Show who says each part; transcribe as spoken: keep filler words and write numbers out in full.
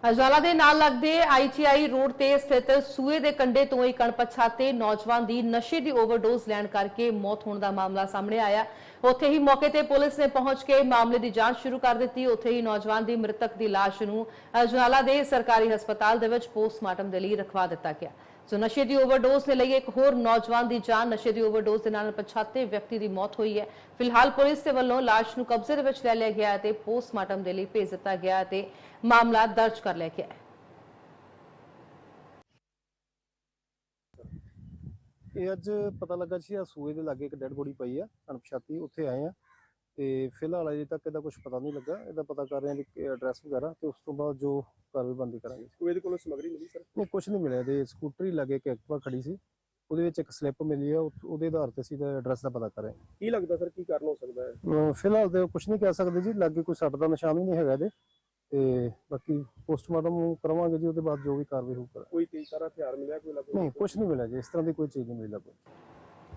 Speaker 1: ਅਜਵਾਲਾ ਦੇ ਨਾਲ ਲੱਗਦੇ ਆਈ ਟੀ ਆਈ ਰੋਡ ਤੇ ਸਥਿਤ ਸੂਏ ਦੇ ਕੰਢੇ ਤੋਂ ਇੱਕ ਅਣਪਛਾਤੇ ਨੌਜਵਾਨ ਦੀ ਨਸ਼ੇ ਦੀ ਓਵਰਡੋਜ਼ ਲੈਣ ਕਰਕੇ ਮੌਤ ਹੋਣ ਦਾ ਮਾਮਲਾ ਸਾਹਮਣੇ ਆਇਆ। ਉੱਥੇ ਹੀ ਮੌਕੇ ਤੇ ਪੁਲਿਸ ਨੇ ਪਹੁੰਚ ਕੇ ਮਾਮਲੇ ਦੀ ਜਾਂਚ ਸ਼ੁਰੂ ਕਰ ਦਿੱਤੀ। ਉੱਥੇ ਹੀ ਨੌਜਵਾਨ ਦੀ ਮ੍ਰਿਤਕ ਦੀ ਲਾਸ਼ ਨੂੰ ਅਜਵਾਲਾ ਦੇ ਸਰਕਾਰੀ ਹਸਪਤਾਲ ਦੇ ਵਿੱਚ ਪੋਸਟਮਾਰਟਮ ਦੇ ਲਈ ਰਖਵਾ ਦਿੱਤਾ ਗਿਆ। ਸੋ ਨਸ਼ੇ ਦੀ ਓਵਰਡੋਜ਼ ਦੇ ਲਈ ਇੱਕ ਹੋਰ ਨੌਜਵਾਨ ਦੀ ਜਾਨ, ਨਸ਼ੇ ਦੀ ਓਵਰਡੋਜ਼ ਦੇ ਨਾਲ ਪਛਾਤੇ ਵਿਅਕਤੀ ਦੀ ਮੌਤ ਹੋਈ ਹੈ। ਫਿਲਹਾਲ ਪੁਲਿਸ ਦੇ ਵੱਲੋਂ ਲਾਸ਼ ਨੂੰ ਕਬਜ਼ੇ ਦੇ ਵਿੱਚ ਲੈ ਲਿਆ ਗਿਆ ਤੇ ਪੋਸਟਮਾਰਟਮ ਦੇ ਲਈ ਭੇਜ ਦਿੱਤਾ ਗਿਆ ਤੇ ਮਾਮਲਾ ਦਰਜ ਕਰ ਲਿਆ ਗਿਆ ਹੈ।
Speaker 2: ਇਹ ਅੱਜ ਪਤਾ ਲੱਗਾ ਸੀ ਆ ਸੂਏ ਦੇ ਲਾਗੇ ਇੱਕ ਡੈਡ ਬੋਡੀ ਪਈ ਆ ਅਣਪਛਾਤੀ। ਉੱਥੇ ਆਏ ਆ ਤੇ ਫਿਲਹਾਲ ਅਜੇ ਤੱਕ ਇਹਦਾ ਕੁਝ ਪਤਾ ਨਹੀਂ ਲੱਗਾ। ਇਹਦਾ ਪਤਾ ਕਰ ਰਹੇ ਆ ਕਿ ਐਡਰੈਸ ਵਗੈਰਾ ਤੇ ਉਸ ਤੋਂ ਬਾਅਦ ਜੋ ਕਾਰਵਾਈ ਬੰਦੀ ਕਰਾਂਗੇ।
Speaker 3: ਸੂਏ ਦੇ ਕੋਲੋਂ ਸਮਗਰੀ ਮਿਲੀ ਸਰ?
Speaker 2: ਨਹੀਂ, ਕੁਝ ਨਹੀਂ ਮਿਲਿਆ। ਇਹਦੇ ਸਕੂਟਰੀ ਲਾਗੇ ਇੱਕ ਐਕਟਿਵਾ ਖੜੀ ਸੀ, ਉਹਦੇ ਵਿੱਚ ਇੱਕ ਸਲਿੱਪ ਮਿਲੀ ਆ। ਉਹਦੇ ਆਧਾਰ ਤੇ ਅਸੀਂ ਇਹਦਾ ਐਡਰੈਸ ਦਾ ਪਤਾ ਕਰ ਰਹੇ ਹਾਂ।
Speaker 3: ਕੀ ਲੱਗਦਾ ਸਰ ਕੀ ਕਾਰਨ ਹੋ ਸਕਦਾ ਹੈ?
Speaker 2: ਅਹ ਫਿਲਹਾਲ ਤੇ ਕੁਝ ਨਹੀਂ ਕਹਿ ਸਕਦੇ ਜੀ। ਲਾਗੇ ਕੋਈ ਸੱਟ ਦਾ ਨਿਸ਼ਾਨ ਵੀ ਨਹੀਂ ਹੈਗਾ ਇਹਦੇ ਤੇ ਬਾਕੀ ਪੋਸਟਮਾਰਟਮ ਕਰਾਵਾਂਗੇ ਜੀ। ਉਹਦੇ ਬਾਅਦ ਜੋ ਵੀ ਕਾਰਵਾਈ ਹੋਊਗਾ।
Speaker 3: ਕੋਈ ਤੇਜ਼ ਤਾਰਾ ਹਥਿਆਰ ਮਿਲਿਆ ਕੋਈ ਲੱਗਦਾ?
Speaker 2: ਨਹੀਂ, ਕੁਝ ਨਹੀਂ ਮਿਲਿਆ ਜੀ। ਇਸ ਤਰ੍ਹਾਂ ਦੀ ਕੋਈ ਚੀਜ਼ ਨਹੀਂ ਮਿਲੀ ਲੱਗੀ।